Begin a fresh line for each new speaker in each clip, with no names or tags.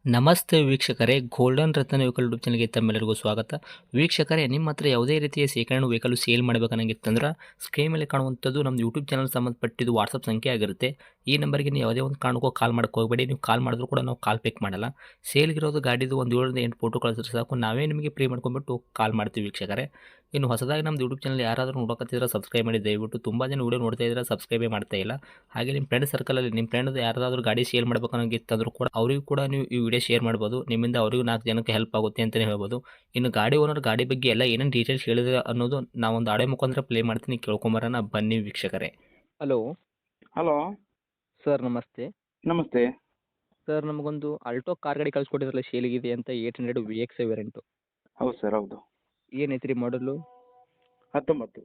ನಮಸ್ತೆ ವೀಕ್ಷಕರೇ, ಗೋಲ್ಡನ್ ರತ್ನ vehicle YouTube ಚಾನಲ್ಗೆ ತಮ್ಮೆಲ್ಲರಿಗೂ ಸ್ವಾಗತ. ವೀಕ್ಷಕರೇ, ನಿಮ್ಮ ಹತ್ರ ಯಾವುದೇ ರೀತಿಯ ಶೇಖರಣೆ ವೆಹಿಕಲ್ ಸೇಲ್ ಮಾಡಬೇಕನ್ನಂಗಿತ್ತಂದ್ರೆ ಸ್ಕ್ರೀನ್ ಮೇಲೆ ಕಾಣುವಂಥದ್ದು ನಮ್ಮ ಯೂಟ್ಯೂಬ್ ಚಾನಲ್ ಸಂಬಂಧಪಟ್ಟಿದ್ದು ವಾಟ್ಸಪ್ ಸಂಖ್ಯೆ ಆಗಿರುತ್ತೆ. ಈ ನಂಬರ್ಗೆ ನೀವು ಯಾವುದೇ ಒಂದು ಕಾರಣಕ್ಕೂ ಕಾಲ್ ಮಾಡಕ್ಕೆ ಹೋಗಬೇಡಿ. ನೀವು ಕಾಲ್ ಮಾಡಿದ್ರು ಕೂಡ ನಾವು ಕಾಲ್ ಪಿಕ್ ಮಾಡಲ್ಲ. ಸೇಲ್ಗಿರೋದು ಗಾಡಿದು ಒಂದು 7ರಿಂದ 8 ಫೋಟೋ ಕಳಿಸಿದ್ರೆ ಸಾಕು, ನಾವೇ ನಿಮಗೆ ಪ್ರೀ ಮಾಡ್ಕೊಂಡ್ಬಿಟ್ಟು ಕಾಲ್ ಮಾಡ್ತೀವಿ ವೀಕ್ಷಕರೇ. ಇನ್ನು ಹೊಸದಾಗಿ ನಮ್ಮದು ಯೂಟ್ಯೂಬ್ ಚಾನಲ್ ಯಾರಾದರೂ ನೋಡೋಕತ್ತಿದ್ರೆ ಸಬ್ಸ್ಕ್ರೈಬ್ ಮಾಡಿ ದಯವಿಟ್ಟು. ತುಂಬ ಜನ ವೀಡಿಯೋ ನೋಡ್ತಾ ಇದ್ದಾರೆ, ಸಬ್ಸ್ಕ್ರೈಬೇ ಮಾಡ್ತಾ ಇಲ್ಲ. ಹಾಗೆ ನಿಮ್ಮ ಫ್ರೆಂಡ್ ಸರ್ಕಲಲ್ಲಿ ನಿಮ್ಮ ಫ್ರೆಂಡ್ ಯಾರಾದರೂ ಗಾಡಿ ಸೇಲ್ ಮಾಡಬೇಕನ್ನೋಂಗಿತ್ತಂದ್ರೂ ಕೂಡ ಅವರಿಗೂ ಕೂಡ ನೀವು ಈ ವಿಡಿಯೋ ಶೇರ್ ಮಾಡ್ಬೋದು. ನಿಮ್ಮಿಂದ ಅವರಿಗೂ 4 ಜನಕ್ಕೆ ಹೆಲ್ಪ್ ಆಗುತ್ತೆ ಅಂತಲೇ ಹೇಳ್ಬೋದು. ಇನ್ನು ಗಾಡಿ ಓನರ್ ಗಾಡಿ ಬಗ್ಗೆ ಎಲ್ಲ ಏನೇನು ಡೀಟೇಲ್ಸ್ ಹೇಳಿದ್ರೆ ಅನ್ನೋದು ನಾವೊಂದು ಆಡಿಯೋ ಮುಖಾಂತರ ಪ್ಲೇ ಮಾಡ್ತೀನಿ, ಕೇಳ್ಕೊಂಬರೋಣ ಬನ್ನಿ ವೀಕ್ಷಕರೇ. ಹಲೋ
ಹಲೋ
ಸರ್, ನಮಸ್ತೆ.
ನಮಸ್ತೆ.
ಸರ್, ನಮಗೊಂದು ಆಲ್ಟೋ ಕಾರ್ ಗಾಡಿ ಕಳಿಸ್ಕೊಟ್ಟಿದ್ರಲ್ಲ ಸೇಲಿಗಿದೆ ಅಂತ, 800 ವಿ ಎಕ್ಸ್ ವೇರಿಯಂಟು.
ಹೌದು ಸರ್, ಹೌದು.
ಏನೈತ್ರಿ ಮಾಡಲು?
19.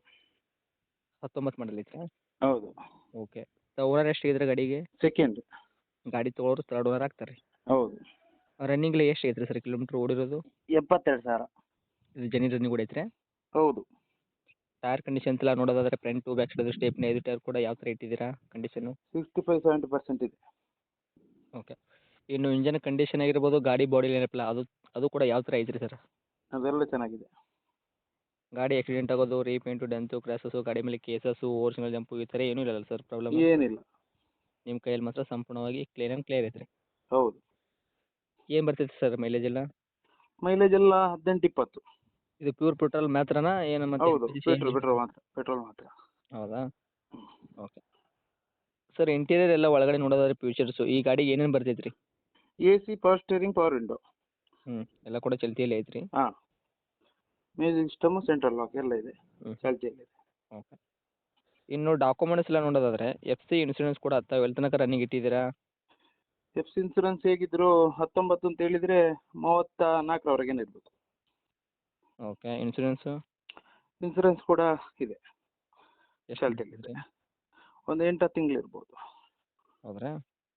19 ಮಾಡಲ್ ಐತ್ರಾ?
ಹೌದು.
ಓಕೆ. ಓನರ್ ಎಷ್ಟಿದ್ರೆ ಗಾಡಿಗೆ?
ಸೆಕೆಂಡ್.
ಗಾಡಿ ತೊಗೊಳೋರು ತರ್ಡ್ ಓನರ್ ಆಗ್ತಾರೆ.
ಹೌದು.
ರನ್ನಿಂಗ್ಲಿ ಎಷ್ಟು ಐತ್ರಿ ಸರ್ ಕಿಲೋಮೀಟ್ರ್ ಓಡಿರೋದು?
72,000.
ಇದು ಜೆನ್ಯೂನ್ ರನ್ನಿಂಗ್ ಓಡೈತ್ರಿ?
ಹೌದು.
ಟೈರ್ ಕಂಡೀಷನ್ಸ್ ಎಲ್ಲ ನೋಡೋದಾದ್ರೆ front to back side stepney 5 tyre ಕೂಡ ಯಾವ ಥರ ಇಟ್ಟಿದ್ದೀರಾ ಕಂಡೀಷನು?
65-70% ಇದೆ.
ಓಕೆ. ಇನ್ನು ಇಂಜನ್ ಕಂಡೀಷನ್ ಆಗಿರ್ಬೋದು, ಗಾಡಿ ಬಾಡಿ ಏನಪ್ಪಲ್ಲ ಅದು ಅದು ಕೂಡ ಯಾವ ಥರ ಐತ್ರಿ ಸರ್?
ಅದೆಲ್ಲ ಚೆನ್ನಾಗಿದೆ.
ಗಾಡಿ ಆಕ್ಸಿಡೆಂಟ್ ಆಗೋದು, ರೀಪೇಂಟು, ಡೆಂತು, ಕ್ರ್ಯಾಸಸ್ಸು, ಗಾಡಿ ಮೇಲೆ ಕೇಸಸ್ಸು, ಓರಿಜಿನಲ್ ಜಂಪು ಈ ಥರ ಏನೂ ಇಲ್ಲಲ್ಲ ಸರ್ ಪ್ರಾಬ್ಲಮ್?
ಏನಿಲ್ಲ.
ನಿಮ್ಮ ಕೈಯಲ್ಲಿ ಮಾತ್ರ ಸಂಪೂರ್ಣವಾಗಿ ಕ್ಲೀನ್ ಆ್ಯಂಡ್ ಕ್ಲಿಯರ್ ಐತ್ರಿ.
ಹೌದು.
ಏನು ಬರ್ತೈತೆ ಸರ್ ಮೈಲೇಜ್ ಎಲ್ಲ?
ಮೈಲೇಜ್ ಎಲ್ಲ 18-20.
ಇದು ಪ್ಯೂರ್ ಪೆಟ್ರೋಲ್ ಮಾತ್ರನಾ ಏನು ಮತ್ತೆ
ಹೌದು.
LPG
ಪೆಟ್ರೋಲ್ ಮಾತ್ರ.
ಹೌದಾ? ಓಕೆ. ಸರ್, ಇಂಟೀರಿಯರ್ ಎಲ್ಲ ಒಳಗಡೆ ನೋಡೋದಾದ್ರೆ ಫ್ಯೂಚರ್ಸು ಈ ಗಾಡಿಗೆ ಏನೇನು ಬರ್ತೈತೆ ರೀ?
AC, power steering, power window.
ಎಲ್ಲ ಕೂಡ ಚಲ್ತಿಯಲ್ಲೇ ಐತ್ರಿ?
ಹಾಂ. ಮ್ಯೂಸಿಕ್ ಸಿಸ್ಟಮು, ಸೆಂಟ್ರಲ್ ಲಾಕ್ ಎಲ್ಲ ಇದೆ. ಚಾಲ್ತಿಯಲ್ಲಿದೆ.
ಓಕೆ. ಇನ್ನು ಡಾಕ್ಯುಮೆಂಟ್ಸ್ ಎಲ್ಲ ನೋಡೋದಾದ್ರೆ FC ಇನ್ಸೂರೆನ್ಸ್ ಕೂಡ ಹತ್ತಾವ ಎಲ್ಲಿ ತನಕ ರನ್ನಿಂಗ್ ಇಟ್ಟಿದ್ದೀರಾ?
ಎಫ್ ಸಿ ಇನ್ಸೂರೆನ್ಸ್ ಹೇಗಿದ್ರು 19 ಅಂತ ಹೇಳಿದರೆ 34ರವರೆಗೇನೆ ಇರಬೇಕು.
ಓಕೆ. ಇನ್ಸೂರೆನ್ಸು
ಇನ್ಸೂರೆನ್ಸ್ ಕೂಡ ಇದೆ.
ಎಷ್ಟು
ಚಾಲ್ತಿಯಲ್ಲಿದೆ. ಒಂದು 8-10 ತಿಂಗಳು ಇರ್ಬೋದು.
ಹೌದ್ರಾ?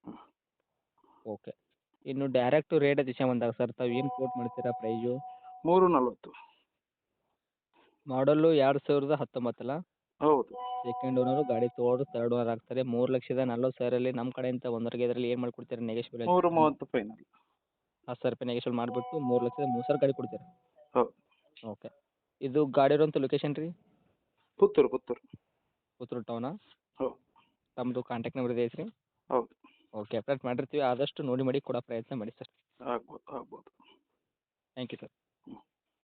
ಓಕೆ. ಇನ್ನು ಡೈರೆಕ್ಟು ರೇಟ್ ವಿಷಯ ಬಂದಾಗ ಸರ್, ತಾವು ಏನು ಕೋಟ್ ಮಾಡ್ತೀರಾ ಪ್ರೈಸು?
340.
ಮಾಡಲ್ಲು 2019 ಅಲ್ಲ?
ಹೌದು.
ಸೆಕೆಂಡ್ ಓನರು, ಗಾಡಿ ತೊಗೊಳೋರು ತರ್ಡ್ ಓನರ್ ಆಗ್ತಾರೆ. 3,40,000 ನಮ್ಮ ಕಡೆಯಿಂದ ಒಂದರಿಗೆ ಇದರಲ್ಲಿ ಏನು ಮಾಡಿಕೊಡ್ತೀರಾ ನೆಗೆಶ್ಬಲ್?
330 ಫೈನಲ್.
10,000 ರೂಪಾಯಿ ನೆಗೆಶ್ಬಲ್ ಮಾಡಿಬಿಟ್ಟು 3,30,000 ಗಾಡಿ ಕೊಡ್ತೀರಾ?
ಹೌದು.
ಓಕೆ. ಇದು ಗಾಡಿ ಇರೋಂಥ ಲೊಕೇಶನ್ ರೀ?
ಪುತ್ತೂರು.
ಪುತ್ತೂರು ಟೌನಾ?
ಹೌದು.
ತಮ್ಮದು ಕಾಂಟ್ಯಾಕ್ಟ್ ನಂಬರ್ ಇದೆ ಐತ್ರಿ?
ಹೌದು.
ಓಕೆ. ಅಪ್ಡೇಟ್ ಮಾಡಿರ್ತೀವಿ, ಆದಷ್ಟು ನೋಡಿ ಮಾಡಿ ಕೊಡೋ ಪ್ರಯತ್ನ ಮಾಡಿ ಸರ್.
ಆಗ್ಬೋದು.
Thank you sir.